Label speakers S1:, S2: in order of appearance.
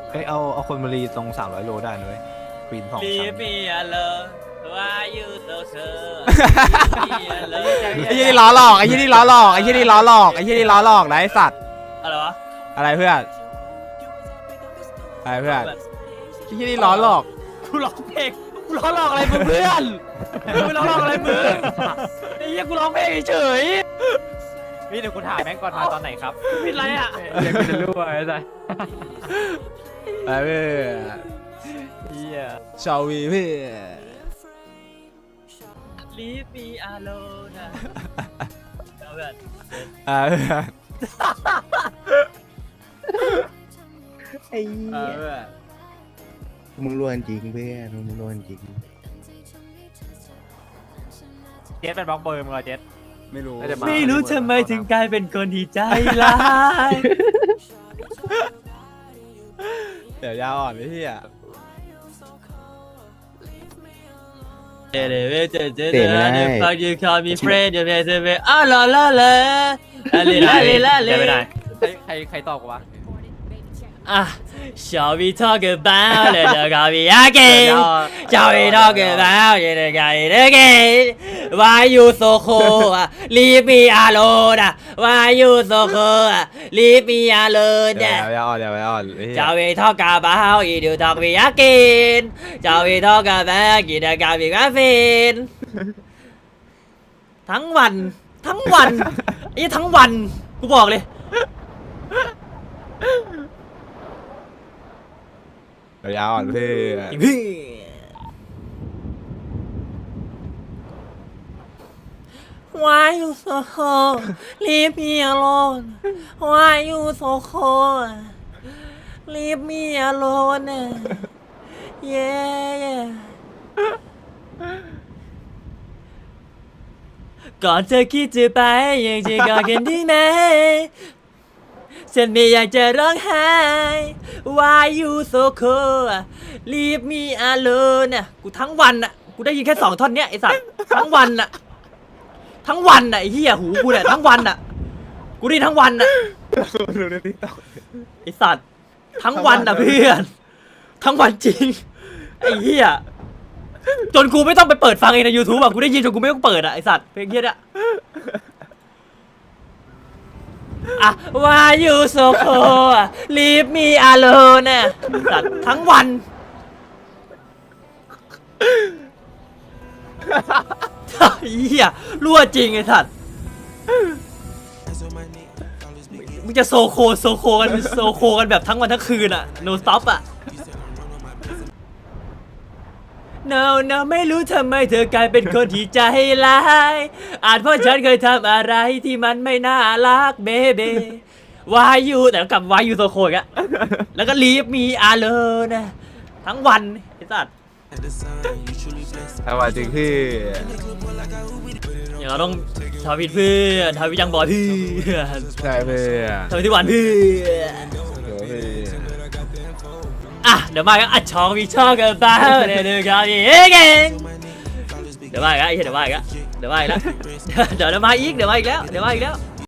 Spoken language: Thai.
S1: เอ้ยเอาคนมารีตรง300 โลได้นะเว้ยปีน2
S2: Leave
S1: ชั้น
S2: me alone why you so sure
S3: ไอ้ยี่นี่ล้อหลอกไอ้ยี่นี่ล้อหลอกไอ้ยี่นี่ล้อหลอกไอ้ยี่นี่ล้อหลอกนะไอ้สัตว์
S2: อะไรวะ
S3: อะไรเพื่อนอะไรเพื่อนไอ้ยี่นี่ล้อหลอก
S2: กูร้องเพลงกูร้องหลอกอะไรมึงเพื่อนกูร้องหลอกอะไรมึงไอ้เหี้ยกูร้องเพลงเฉย
S4: พี่เดี๋ยวกูถามแม่งก่อนมาตอนไหนครับ
S2: ผิดอะไรอ่ะ
S4: เดี๋ยวกูจะรู้ไอ้สัส
S3: อะไรเพื่อน
S4: เฮีย
S3: ชาวีเพื่อน
S2: Leave me alone นะเอาเพื่อน
S3: เพื่อน
S5: ไอ้เหี้ย
S3: เพื่อน
S5: มึงรวนจริงเพื่อนมึงรวนจริง
S4: เจ็ดเป็นบล็อกเบอร์มึงเหรอเจ็ด
S3: ไม่รู้
S2: ไม่รู้ทำไมถึงกลายเป็นคนที่ใจร้าย
S3: เดี๋ยวยาวอ่อนไอ้เหี้ย
S2: เดี๋ยวฟังยูคอมีเฟรนด์เดี๋ยวเดี๋ยวอ้าวla la la อะไร
S4: ไม่ได้ใครตอบกูวะ
S2: อ่ะ Shall we talk about it again Shall we talk about it again Why you so cold Leave me alone Why you so cold Leave me alone
S3: เดี๋ยวยาวอ่อนเดี๋ยวยาวอ่อนไอ้เหี้ย
S2: Shall we talk about it you talk me again Shall we talk about it again ทั้งวันไอ้ทั้งวันกูบอกเลย
S3: เดี๋ยวยาวอ่อนเพื่อน
S2: Why you so cold Leave me alone Why you so cold Leave me alone Yeah ก่อนเธอคิดจะไปยังจะกอดกันได้ไหมฉันไม่อยากจะร้องไห้ Why you so cold Leave me alone กูทั้งวันกูได้ยินแค่2 ท่อนเนี้ยไอ้สัตว์ทั้งวันไอ้เหี้ยหูกูเนี่ยทั้งวันกูได้ทั้งวันไอ้สัตว์ทั้งวันเพื่อนทั้งวันจริงไอ้เหี้ยจนกูไม่ต้องไปเปิดฟังเองใน YouTube กูได้ยินจนกูไม่ต้องเปิดไอ้สัตว์เพลงเหี้ยเนี่ยWhy you so cold Leave me alone สัตว์ทั้งวันเหี้ยรั่วจริงไอ้สัตว์มึงจะโซโคกันแบบทั้งวันทั้งคืนno stop No ไม่รู้ทำไมเธอกลายเป็นคนที่ใจร้ายอาจเพราะฉันเคยทำอะไรที่มันไม่น่ารักเบเบ้ Why you แต่กลับ Why you so cold อีกแล้วก็ Leave me alone ทั้งวันไอ้สัตว์
S3: เอาว่าจริงพี่
S2: อย่างเราต้องทวิตเพื่อนทวิตยังบอยเพื่อน
S3: ใช่เพื่อน
S2: ทวิตที่หวานเพื่อน
S3: เดี๋ยวพี่
S2: เดี๋ยวมากันช่องวิช่องกันบ้าเดี๋ยวกันอีกเดี๋ยวมาอีกแล้วเดี๋ยวมาอีกแล้วเดี๋ยวมาอีกแล้ว